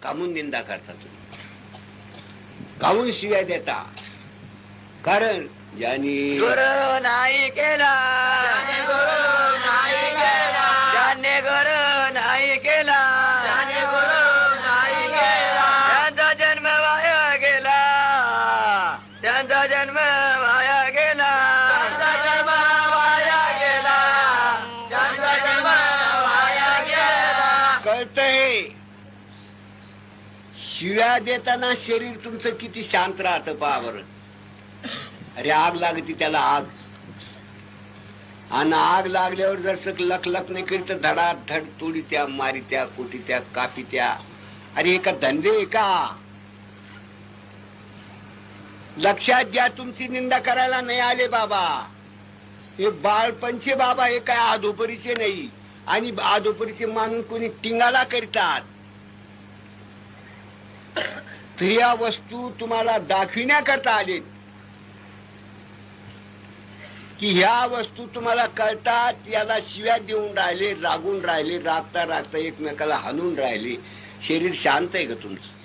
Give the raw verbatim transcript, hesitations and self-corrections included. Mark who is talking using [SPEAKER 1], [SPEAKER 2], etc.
[SPEAKER 1] कामून निंदा करता तुम्ही, कामून शिव्या देता? कारण ज्यांनी
[SPEAKER 2] गुरु नाही केला,
[SPEAKER 3] ज्याने गुरु नाही केला,
[SPEAKER 2] ज्याने गुरु नाही केला,
[SPEAKER 3] ज्याने गुरु नाही केला,
[SPEAKER 2] त्यांचा जन्म वाया गेला, त्यांचा जन्म वाया गेला,
[SPEAKER 3] त्यांचा जन्म वाया गेला, त्यांचा जन्म वाया गेला.
[SPEAKER 1] कळतंय शिव्या देताना शरीर तुमचं किती शांत राहतं पहा बरं. अरे आग लागती त्याला, आग, आणि आग लागल्यावर जर लख लख नाही करीत तर धडाधड तोडीत्या, मारित्या, कोटीत्या, कापित्या. अरे हे का धंदे आहे का? लक्षात घ्या, तुमची निंदा करायला नाही आले बाबा. हे बाळपणचे बाबा हे काय आदोपरीचे नाही, आणि आदोपरीचे मानून कोणी टिंगाला करतात. तर या वस्तू तुम्हाला दाखविण्याकरता आले की ह्या वस्तू तुम्हाला कळतात. याला शिव्या देऊन राहिले, रागून राहिले, रागता रागता एकमेकाला हाणून राहिले. शरीर शांत आहे का तुमचं?